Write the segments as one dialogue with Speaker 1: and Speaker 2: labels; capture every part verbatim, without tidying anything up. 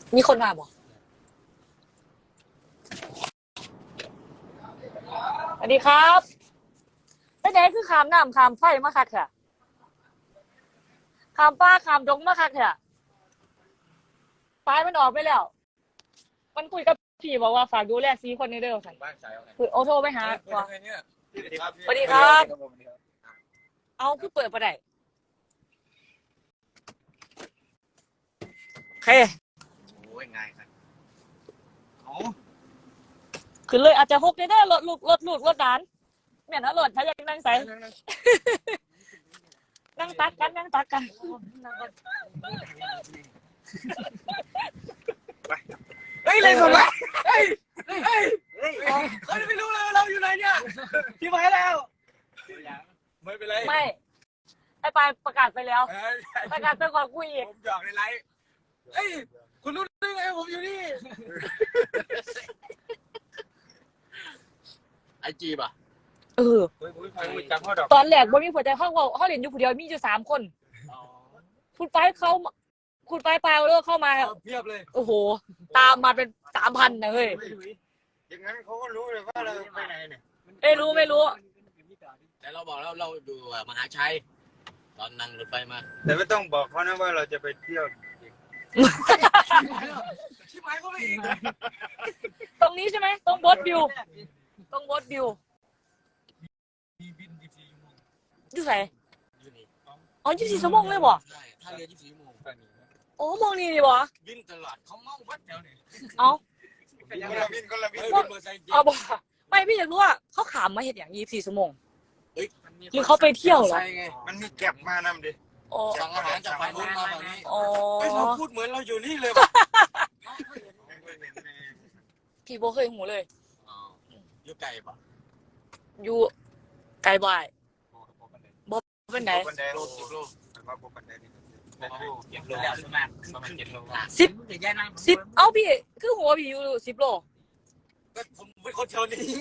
Speaker 1: มีคนมาบ่สวัสดีครับไปไหนคือขามน้ำขามไฟมาคักเถอะขามป้าขามดงมาคักเถอะปลายมันออกไปแล้วมันคุยกับพี่บอกว่าฝากดูแลซีคนนี้เด้อค่ะคือโอโทรไปหาว่าสวัสดีครับเอาคือเปิดประเดี๋ยวโอเค
Speaker 2: โอ้ยง่ายครับเอา
Speaker 1: ขึ้นเลยอาจจะหกได้รถลูกรถลูกรถหลานแม่นอรถถ้าอยากนั่งใส่นั่งตักกันนั่งตักกัน
Speaker 2: เฮ้ยเลยผมเฮ้ยเฮ้ยเฮ้ยเขาไม่รู้เลยเราอยู่ไหนเนี่ยพี่มาแล้วไม่เป็นไร
Speaker 1: ไม่ไอ้ปลายประกาศไปแล้วประกาศไปก่อนคุยอีก
Speaker 2: ผมหยอกในไลฟ์เฮ้ยคุณรู้ได้ไงผมอยู่นี่ไอจีป่ะ
Speaker 1: เออตอนแรกบ่มีผัวใจห้องว่าห้องเรียนอยู่ผู้เดียวมีอยู่สามคนคุณไปเขาคุณไปไปเอาเลิกเข้ามา
Speaker 2: เพียบเลย
Speaker 1: โอ้โหตามมาเป็นสามพันนะเฮ้ย
Speaker 2: อย่างนั้นเขาก็รู้เลยว่าเราไปไหนเนี่ย
Speaker 1: ไม่รู้ไม่รู้
Speaker 3: แต่เราบอกแล้วเราอยู่มหาชัยตอนนั่งรถไฟมา
Speaker 2: แต่ไม่ต้องบอกเขานะว่าเราจะไปเที่ยวชิบหายก็ไม่อีก
Speaker 1: ตรงนี้ใช่ไหมตรงบอสบิวตรงบอสบิวอยู่ไหนอ๋อยี่สิบสี่ชั่วโมงเลยบ่
Speaker 3: ใช่ถ้าเรือยี่สิบสี่ชั่วโมง
Speaker 1: โอ้มองนี่ดิบ่
Speaker 3: บินตลอดเขาเมาวัดแถวนี้
Speaker 1: เอา
Speaker 2: คนละบินคนละบิน
Speaker 1: เอาบ่ไม่พี่อยากรู้ว่าเขาขามมาเห็นอย่างยี่สิบสี่ชั่วโมงหรือเขาไปเที่ยวเหรอ
Speaker 2: มันมีแก็บมานำดิ
Speaker 3: สั่งอาหารจากฝั่งนู้นมาฝั่งนี้
Speaker 1: อ๋อ
Speaker 3: เราพูดเหมือนเราอยู่นี่เลย
Speaker 1: พี่โบเคยหูเลย
Speaker 3: อยู่ไกลปะ
Speaker 1: อยู่ไกลบ่ายบ่เป็นไหน
Speaker 3: โลสิบโล
Speaker 1: สิบสิบเอ้าพี่คือหัวพี่อยู่สิบโล
Speaker 3: ก็ผมเป็นคนแถวนี้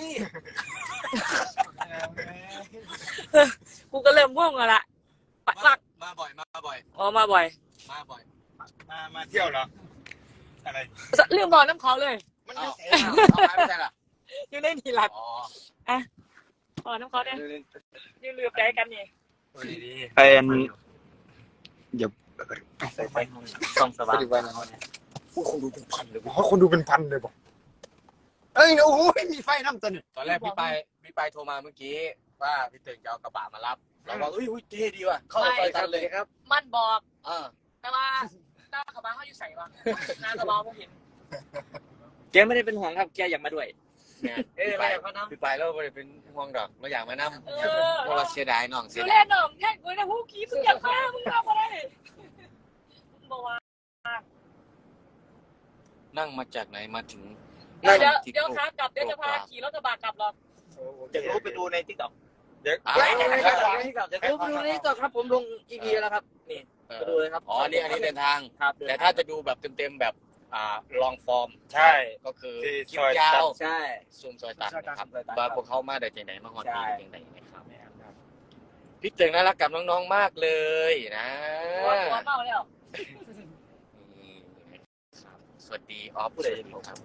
Speaker 1: กูก็เริ่มง่วงแล้วล่ะปัก
Speaker 3: มาบ่อยมาบ่อย
Speaker 1: อ๋อมาบ่อย
Speaker 3: มาบ่อย
Speaker 2: มามาเที่ยวเหรออะไร
Speaker 1: ลืมบอกน้ำเขาเลย
Speaker 3: มันไม่ใช่ไม่ใช่ล่ะ
Speaker 1: อยู่ในนี่หลัก
Speaker 3: อ๋อ
Speaker 1: อ่ะอ๋อน้ำเขาเนี่ยยืนลืมใจกันนี่
Speaker 2: เป็นเดี๋ยว
Speaker 3: ใส่ไฟส่องสว่าง
Speaker 2: คนดูเป็นพันเลยบอกคนดูเป็นพันเลยบอกเอ้ยโอ้โหมีไฟน้ำตัน
Speaker 3: ตอนแรกพี่ไปพี่ไปโทรมาเมื่อกี้ว่าพี่ตื่นจะเอากระบะมารับเราบอกเอ้ยเท่ดีว่ะเข้าไปกันเลยครับ
Speaker 1: มันบอก
Speaker 3: อ่า
Speaker 1: แต่ว่าหน้ากระบะเขาอยู่ใส่วะหน้ากระบะผมเห็น
Speaker 4: แกไม่ได้เป็นห่วงครับแกอยากมาด้วย
Speaker 3: เอ้ยไปพี่ไปแล้วไม่ได้เป็นห่วงดอกเราอยากมานั่งเพราะเราเสียดายน้องเสียดาย
Speaker 1: ดูแลน้องแค่กูนะผู้ขี้มึงอยากมามึงทำอะไรมึงบอกว่า
Speaker 3: นั่งมาจากไหนมาถึง
Speaker 1: เดี๋ยวเดี๋ยวขากลับเดี๋ยวจะพาขี่รถกระบะกลับหรอก
Speaker 4: เดี๋ยวรู้ไปดูในติ๊กต็อก
Speaker 2: เดี๋ยว
Speaker 4: ไปดูในติ๊กต็อกเดี๋ยวรู้ไปดูในติ๊กต็อกครับผมลงอีพีแล้วครับนี่ไปดูเลยครับ
Speaker 3: อ๋อนี่อันนี้เดินทางแต่ถ้าจะดูแบบเต็มๆแบบอ่าลองฟอร์ม
Speaker 2: ใช่
Speaker 3: ก็คือคลิปยาว
Speaker 4: ใช่
Speaker 3: ซูมซอยตัดนะครับว่าพวกเขามาได้จากไหนมาฮอตที่จากไหนนะครับพี่เจ๋งน่ารักกับน้องๆมากเลยนะ
Speaker 1: หัวเมาแล้ว
Speaker 3: สวัสดีออฟเลยครับ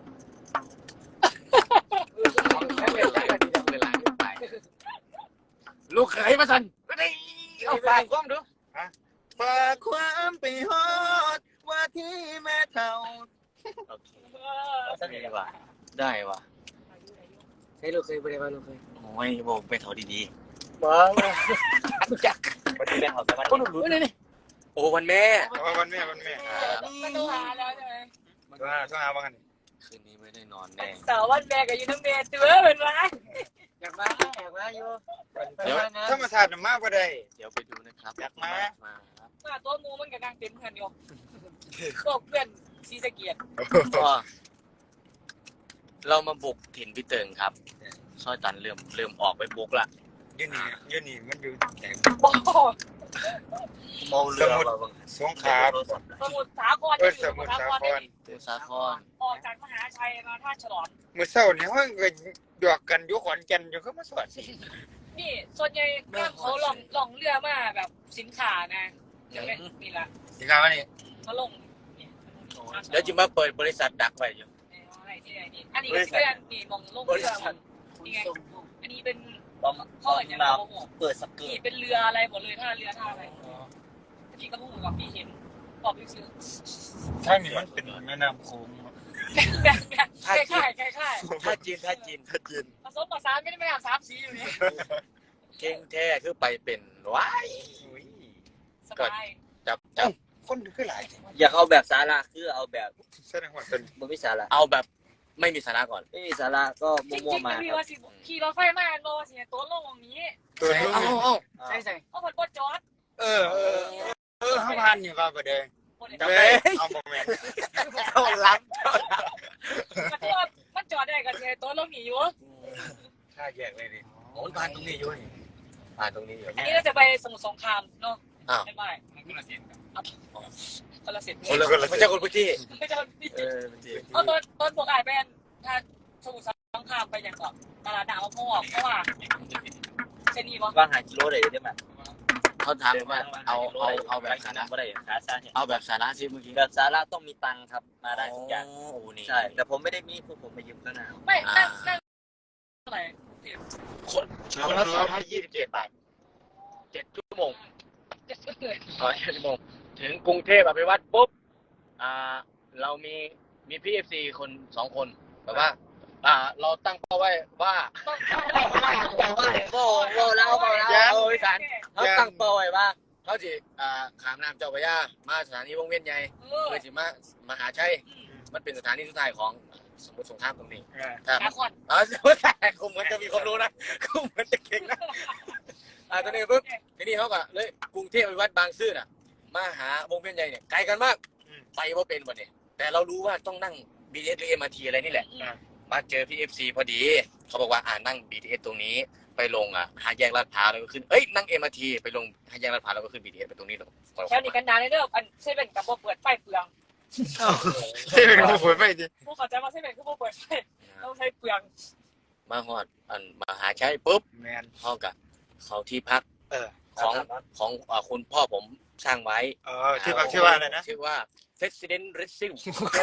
Speaker 3: ลูกเขยมาสันก็ได้เอาฝากความดู
Speaker 2: ฝากความไปฮอดว่าที่แม่เฒ่า
Speaker 3: โอเคได้ว่ะได้ว่ะ
Speaker 4: ให้ลูกเคยไปได้ป่ะลูกเคย
Speaker 3: โอ้ยบอกไปเฒ่าดี
Speaker 4: ๆบ้าจักวันที่แม่เขาจะมาคนรู้
Speaker 3: นี่นี่โอ้วันแม่
Speaker 2: วันแม่วันแม่
Speaker 1: มาดูหาแล้วใช่ไหม
Speaker 2: ต้องหาต้องหาบ้างกัน
Speaker 3: คืนนี้ไม่ได้นอนแน่
Speaker 1: สาววันแม่กับยูน้ำเมย์ตัวเป็นไร
Speaker 4: อยากมาอยากมาอยู่
Speaker 2: เดี๋ยวถ้ามาถ่ายมากกว่าได้
Speaker 3: เดี๋ยวไปดูนะครับ
Speaker 2: อยากมา
Speaker 1: มาตัวมูมันกับนางเต็มเพื่อนอยู่ก็เพื่อนซีสเกียรติ
Speaker 3: เรามาบุกถิ่นพี่เติงครับซอยตันเริ่มเริ่มออกไปบุกละ
Speaker 2: ยืนนี่ยืนนี่มันอยู่แข็ง
Speaker 3: เมาเรือเรา
Speaker 2: สงขลา
Speaker 1: สมุทรสาคร
Speaker 2: สมุทรสาคร
Speaker 3: สมุทรสาคร
Speaker 1: ออกจากมหาชัยมาท่าฉลอง
Speaker 2: เมื่อเช้านี่เขาก็ดอกกันอยู่ขอนแก่นอยู่เขามาสวด
Speaker 1: นี่ส่วนใหญ่เขาลองลองเรือมาแบบสินค้านะจะเป็นนี่ละ
Speaker 2: สินค้าว่านี่
Speaker 1: มาลง
Speaker 3: เดี๋ยวจะมาเปิดบริษัทดักไว้อยู่
Speaker 1: อันนี้ก็เป็นนี่มองโลกเรือนี่ไงอันนี้เป็นพ่ออย่างเรา
Speaker 4: เปิดสเกิ
Speaker 1: นี่
Speaker 4: ร์ต
Speaker 1: เป็นเรืออะไรหมดเลยท่าเรือท่าอะไรพี่ก็พูดกับพี่เห็นบอกพี่ซื้อ
Speaker 2: ถ้านี่มันเป็นแม่น้ำโขง
Speaker 1: แบบแบบคล้ายคล้ายคล้ายคล้าย
Speaker 3: ถ้าจีนถ้าจีนถ้าจีน
Speaker 1: ผสมผสานไม่ได้ไม่อาบสามสีอยู่นี่
Speaker 3: เก่งแท้คือไปเป็นว้าย
Speaker 1: สบาย
Speaker 3: จับจับ
Speaker 2: คนคือหลาย
Speaker 4: อยากเอาแบบสาระคือเอาแบบ
Speaker 2: แสดงว่าเป็น
Speaker 4: บ่มีสาระ
Speaker 3: เอาแบบไม่มีสาระก่อน
Speaker 4: ไม่มีสาระก็
Speaker 1: จริง
Speaker 4: มั่ว
Speaker 1: จริง
Speaker 4: ๆมา
Speaker 1: พี่
Speaker 4: ครับ
Speaker 1: ว่าสิขี่รถไฟมาโลสิตัวลงตรงนี้
Speaker 2: ตัว
Speaker 3: เอา
Speaker 2: นี้
Speaker 3: เอา
Speaker 1: ใช่ใช่เพราะคนปวดจอด
Speaker 2: เออเออเออข้าวพันอยู่ก็ประเดี๋ยว
Speaker 1: คน
Speaker 2: จำได้เอาโมเมนต์
Speaker 3: เข้าล้ำ
Speaker 1: ที่ว่ามันจอดได้กันเลยตัวลงหนีอยู่
Speaker 2: ถ้าแยกเลยดิ
Speaker 3: โอ้ยผ่านตรงนี้อยู่นี่ผ่านตรงนี้อยู่
Speaker 1: อันนี้เราจะไปสมุทรสงครามเนาะ
Speaker 3: อ้าว
Speaker 1: ไม่ไม่คนละเสียงคนละเสียง
Speaker 3: คนละไม่ใช่คนพื้นที่
Speaker 1: ไม่ใช่
Speaker 3: เออพื้นที่
Speaker 1: เอาต้นต้นพวกไอ้เป็นถ้าสมุทรสงครามไปอย่างก่อนตลาดดาวพ่อเพราะว่าเซนี่วะ
Speaker 4: วางหากิโลได้ได้ไหม
Speaker 3: เขาถามว่าเอาเอาเอาแบบสาระ
Speaker 4: บ่ได้ขาซ่าเนี่ย
Speaker 3: เอาแบบสาระสิเมื่อกี้
Speaker 4: แบบสาระต้องมีตังค์ครับมาได้ทุกอย่าง
Speaker 3: โอ้โหนี่
Speaker 4: ใช่แต่ผมไม่ได้มีพวกผมไปยืมก็นะ
Speaker 1: ไม่นั่งนั่งเท่าไหร่
Speaker 3: คนคนละสองพันยี่สิบเจ็ดบาทเจ็ดชั่วโมง
Speaker 1: เจ็ดเลย
Speaker 3: อ๋อเจ็ดชั่วโมงถึงกรุงเทพอภิวัตรปุ๊บอ่าเรามีมีพี่เอฟซีคนสองคนแบบว่า อ่า เราตั้งเป้าไว้ว่า
Speaker 1: ต้อง
Speaker 4: โอ้โหแล้วเอาแล้ว
Speaker 3: เอาอีสานเขาตั้งเป้าไว้ว่าเขาจะอ่าขามน้ำเจ้าพระยามาสถานีวงเวียนใหญ่
Speaker 1: เออ
Speaker 3: เพื่อจะมามหาชัยมันเป็นสถานีสุดท้ายของสมุทรสงครามตรงนี้ครับ
Speaker 1: ขาคอน
Speaker 3: อ๋อแต่กูเหมือนจะมีความรู้นะกูเหมือนจะเก่งนะอ่าตอนนี้ปุ๊บทีนี้เขาก็เลยกรุงเทพไปวัดบางซื่อน่ะมาหาวงเวียนใหญ่เนี่ยไกลกันมากไปว่าเป็นวันนี้แต่เรารู้ว่าต้องนั่ง บี ที เอส หรือ เอ็ม อาร์ ที อะไรนี่แหละมาเจอพี่ เอฟ ซี พอดีเขาบอกว่าอ่านั่ง บี ที เอส ตรงนี้ไปลงอ่ะห้าแยกลาดพร้าวแล้วก็ขึ้นเอ้ยนั่ง เอ็ม อาร์ ที ไปลงห้าแยกลาดพร้าวแล้วก็ขึ้น บี ที เอส ไปตรงนี้แล้ว
Speaker 1: แถวนี้กันนานเลยเด้ออันเซเว่นกับโบเปิดไฟเปลือง
Speaker 2: ใช่เป็นผู้ป่วยไปดิ
Speaker 1: พวกเขาใจว่าเซเว่นคือโบเปิดไฟต้องใช้เปลือง
Speaker 3: มาฮอดอันมหาชัยปุ๊บ
Speaker 2: แมน
Speaker 3: เขากับเขาที่พัก
Speaker 2: เออ
Speaker 3: ของของอ่าคุณพ่อผมสร้างไว้
Speaker 2: เออชื่อว่าชื่อว่าอะไรนะ
Speaker 3: ชื่อว่า President Racing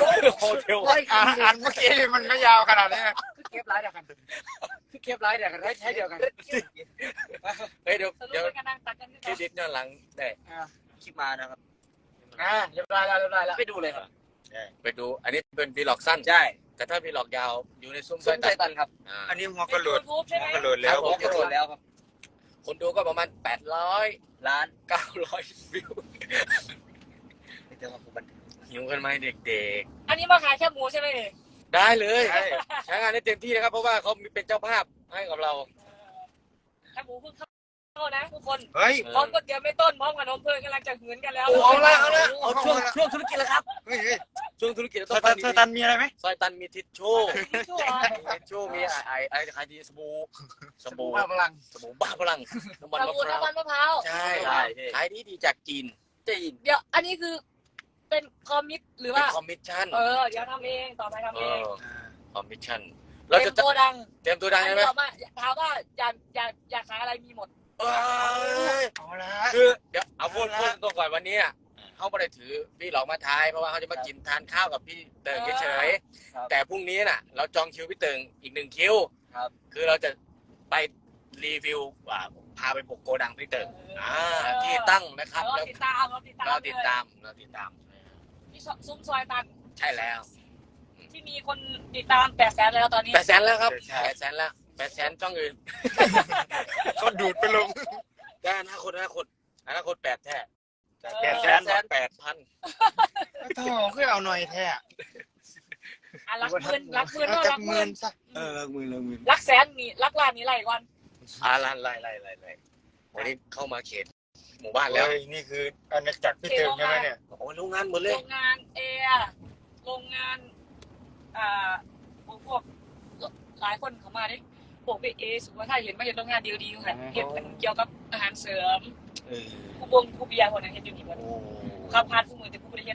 Speaker 3: Hotel
Speaker 2: อ่านอ่านเมื่อกี้มันไม่ยาวขนาดนี้
Speaker 4: คือเก็บร้ายเดียวกันคือเก็บร้ายเดียวกันใช้เดียวกัน
Speaker 3: เฮ้ยเดี๋ยว
Speaker 1: สรุป
Speaker 3: เดี๋ยว
Speaker 1: เป็นการนั่งตักกันที่
Speaker 3: เครดิตย้อนหลังได้
Speaker 4: คลิปมานะครับ
Speaker 2: อ่าเรียบร้อยแล้วเรียบร้อยแล้ว
Speaker 4: ไปดูเลยครับ
Speaker 3: ไปดูอันนี้เป็นวีล็อกสั้น
Speaker 4: ใช่
Speaker 3: แต่ถ้าวีล็อกยาวอยู่ในซุ้ม
Speaker 4: ซุ้ม
Speaker 3: ตั
Speaker 4: ไซตันครับ
Speaker 3: อ่า
Speaker 2: อันนี้หัว
Speaker 1: เป็
Speaker 2: กระ
Speaker 1: น
Speaker 2: โหล
Speaker 1: ยู
Speaker 2: ด
Speaker 1: ทูบใช่ไหม
Speaker 2: หัวกระโหลดแล้ว
Speaker 4: ผมกระโดดแล้วครับ
Speaker 3: คนดูก็ประมาณแปดร้อย
Speaker 4: ล้าน
Speaker 3: เก้าร้อยวิว
Speaker 4: ไม่เจอว่าผมบันทึก
Speaker 3: หิวกันไหมเด็ก
Speaker 1: อันนี้มาขายแค่หมูใช่ไหมนี่
Speaker 3: ๆ ได้เลย
Speaker 2: ใช่
Speaker 3: ใช้งานได้เต็มที่นะครับเพราะว่าเขาเป็นเจ้าภาพให้กับเรา
Speaker 1: แค่หมูเพิ่งเข้านะทุกคน
Speaker 2: เฮ้ย
Speaker 1: พร้อมก๋วยเตี๋ยวไม่ต้นพร้อมขนมเพื่อนกำลังจะหืนกันแล้ว
Speaker 3: โอ้เอาละเอาละ
Speaker 4: เอาช่วงช่วงธุรกิจแล้วครับ
Speaker 2: เฮ้ยเฮ้ย
Speaker 3: ช่วงธุรกิจเรา
Speaker 2: ส
Speaker 3: ต้อง
Speaker 2: ตั
Speaker 3: ฟั
Speaker 2: น
Speaker 3: ง
Speaker 2: ส
Speaker 3: ดี
Speaker 2: ตันมีอะไรไหม
Speaker 3: ๆซอยตันมีทิชชู่
Speaker 1: ชั่ว
Speaker 3: ทิชชู่มีไอไอไอขายดีสบู่สบู่
Speaker 2: บ้าพลัง
Speaker 3: สบู่บ้าพลังน้ำมัน
Speaker 1: ส
Speaker 3: มะ
Speaker 1: บู่
Speaker 3: พร้าว
Speaker 1: น้ำมันมะพร้าว
Speaker 3: ใช่
Speaker 4: ใช่
Speaker 3: ขายดีดีจากจีน
Speaker 4: จะยิน
Speaker 1: เดี๋ยวอันนี้คือเป็นคอมมิตหรือ
Speaker 3: เป็น
Speaker 1: ว่า
Speaker 3: คอมมิชชั่น
Speaker 1: เออเดี๋ยวทำเองต่อไปทำ
Speaker 3: เอ
Speaker 1: เอง
Speaker 3: อคอมมิชชั่นเรา
Speaker 1: เต็
Speaker 3: จะ
Speaker 1: มตัวดัง
Speaker 3: เตรียมตัวดังใช่ไหม
Speaker 1: ถามว่าถามว่าอยากอยากอยากขายอะไรมีหมด
Speaker 3: เอ้ย
Speaker 2: เอาละ
Speaker 3: คือเดี๋ยวเอาพูดพูดตรงก่อนวันนี้อ่ะเขาไม่ได้ถือพี่หลอกมาทายเพราะว่าเขาจะมากินทานข้าวกับพี่เติงเฉยๆแต่พรุ่งนี้น่ะ เราจองคิวพี่เติงอีกหนึ่งคิว
Speaker 4: ครับ
Speaker 3: คือเราจะไปรีวิวอ่าพาไปบุกโกดังพี่เติงอ่าที่ตั้งนะครับ
Speaker 1: เรา
Speaker 3: แล้ว
Speaker 1: ติดตามเราติดตาม
Speaker 3: เราติดตามเราติดตาม
Speaker 1: ที่ซุ้มซอยตัน
Speaker 3: ใช่แล้ว
Speaker 1: ที่มีคนติดตามแปดแสนแล้วตอนนี้
Speaker 3: แปดแสนแล้วครับแปดแสนแล้วแปดแสนช่องอื่น
Speaker 2: เขาดูดไปลง
Speaker 3: ได้อนาคตอนาคตอนาคตแปดแท้
Speaker 2: แปดแสน
Speaker 3: แปดพัน
Speaker 2: โธ่คือเอาหน่อยแท้
Speaker 1: อ่ะรักหมื่นรักหมื่น
Speaker 2: เอา
Speaker 1: ก็
Speaker 2: จั
Speaker 1: รั
Speaker 2: ก
Speaker 1: ก
Speaker 2: ห
Speaker 1: ห
Speaker 2: มื่
Speaker 1: มื่
Speaker 2: น
Speaker 1: น
Speaker 2: ซะ
Speaker 3: เออเลิกมือเลิกมือ
Speaker 1: รักแสนนี่รักล้านนี่ไรก่อน
Speaker 3: อาลันไล่ไล่ไล่ไล่วันนี้เข้ามาเขตหมู่บ้านแล้ว
Speaker 2: เฮ้ยนี่คืออาณาจักรพี่เติมใช่ไหมเนี่ย
Speaker 3: โอ้ยโรงงานหมดเล
Speaker 1: โร
Speaker 3: ย
Speaker 1: งงานแอร์โรงงานอ่าพวกหลายคนเขามาดิพวกไปเอสุว่าถ้าเห็นว่าเห็นโรงงานเดียวดีค่ะเห็นเกี่ยวกับอาหารเสริม
Speaker 3: เออ
Speaker 1: ผู้บงผู้เบียร์คนนั้นเห็นอยู่นี่หมด
Speaker 3: โอ้
Speaker 1: ข้าวพัดผู้มือแต่ผู้บริเห็น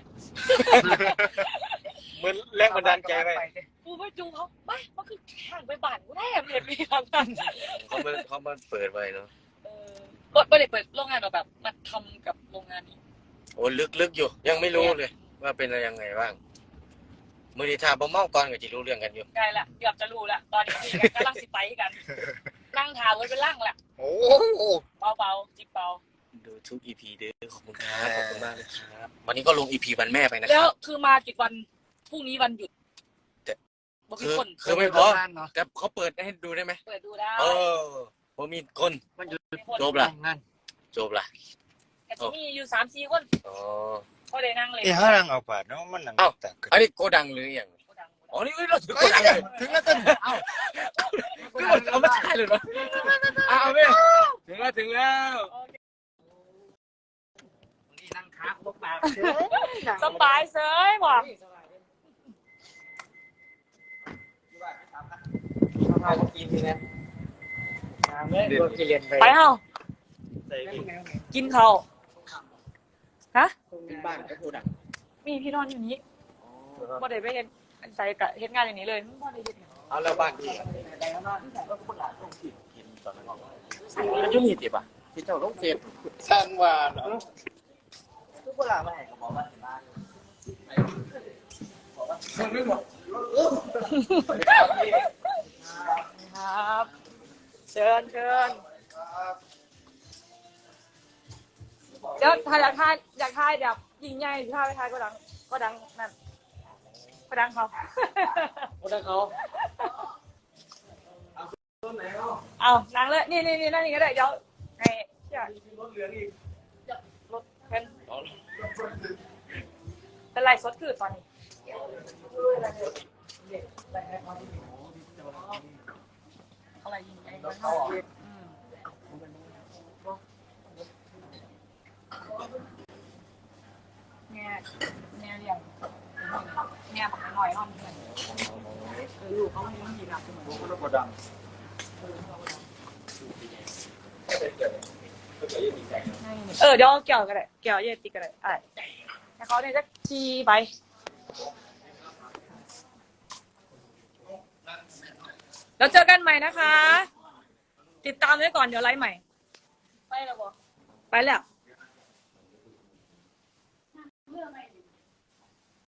Speaker 2: เหมือนแรงบันดาลใจไป
Speaker 1: กูไปจูเขาไม่มันคือแข่งไปบ้านกูแน่เห็นมีทางนั้น
Speaker 3: เขามาเขามาเปิดไว้เนาะ
Speaker 1: เออก็ไม่ได้เปิดโรงงานเราแบบมาทำกับโรงงานนี้
Speaker 3: โอ้ลึกลึกอยู่ ยังไม่รู้เลย ว่าเป็นอะไรยังไงบ้างมือดีทาบ่เมาก่อนก็จะรู้เรื่องกันอยู่
Speaker 1: ใกล้ละเกือบจะรู้ละตอนนี้คุยกันกำลังสิไปกัน นั่งถามไว้เป็นร่างละ
Speaker 3: โอ้
Speaker 1: เบาๆจิบเบา
Speaker 3: ดูทุก อี พี เด้อขอบคุณครับขอบคุณมากเลยครับวันนี้ก็ลง อี พี วันแม่ไปนะค
Speaker 1: แล้ว
Speaker 3: รับ
Speaker 1: คือมากี่วันพรุ่งนี้วันหยุด
Speaker 3: แต่
Speaker 1: บอก
Speaker 3: คื
Speaker 1: มี
Speaker 3: อ
Speaker 1: คน
Speaker 3: คือไม่พอแต่เขาเปิดให้ดูได้ไหม
Speaker 1: เปิดดูได้
Speaker 3: เออผมมีคน
Speaker 2: มันอยู่
Speaker 1: มีคน
Speaker 3: จบละ
Speaker 2: งาน
Speaker 3: จบละ
Speaker 1: แต่ที่มีอยู่สามสี่คน
Speaker 3: อ๋อ
Speaker 1: เขาได้นั่งเลย
Speaker 5: เอ้เขาดังเอาปาดเนาะมันหนังตัก
Speaker 3: อันนี้โกดังหรืออย่างอ๋อนี่เราถึงโกดังเลย
Speaker 5: ถึงแล้วต้น
Speaker 3: ก็หมดเอาไม่ใช่เลยเนาะเอาเอาไปถึงแล้วถึงแล้ว
Speaker 2: นี่นั่งค้าพวกปาก
Speaker 1: สบายเสยบอก
Speaker 2: ข้าวกินนะเมื่อเราเรียนไป
Speaker 1: ไปเฮา
Speaker 5: ใส่กิน
Speaker 1: กินเขาวฮะ
Speaker 2: เป็นบ้านก็พูดอ่ะ
Speaker 1: มีพี่นอนอยู่นี้บ่ได้ไปเห็นใส่กะเฮ็ดงานอย่างนี้เลยบ่ได้เฮ็ดหยัง
Speaker 3: เอาแล้วบ้านที่
Speaker 2: มันยุ่งหิดป่ะพี่เจ้าต้องเสียบ
Speaker 5: สร้างว่าเนาะ
Speaker 2: ทุกเวลาไม่ให้ก็บอกว่าบ้าน
Speaker 1: ครับ เชิญเชิญเดี๋ยวถ้าอยากทายอยากทายแบบยิงใหญ่ถ้าไปทายก็ดังก็ดังนั่นก็ดังเขา
Speaker 2: คนนั้นเขา
Speaker 1: เอานั่งเลยนี่นี่นี่นั่งนี่ก็ได้เดี๋ยวให้เชื่อ
Speaker 2: รถเหลืองอีก
Speaker 1: รถเป็นเป็นไรสดคือตอนนี้อะไรยิงไงมันเข้าอืมเนี่ยเนี่ยเรียงเนี่ยบอกหน่อยห้องเพื่อนเออลูกเขาไม่ต้องยิงหนักเหมือน
Speaker 5: มันก็ดัง
Speaker 1: เออเดี๋ยวเกี่ยวกันเลยเกี่ยวเย็ดติกันเลยอ่ะแต่เขาเนี่ยจะชีไปแล้วเจอกันใหม่นะคะ ติดตามไว้ก่อนเดี๋ยวไลฟ์ใหม่ ไปแล้วบอไปแล้ว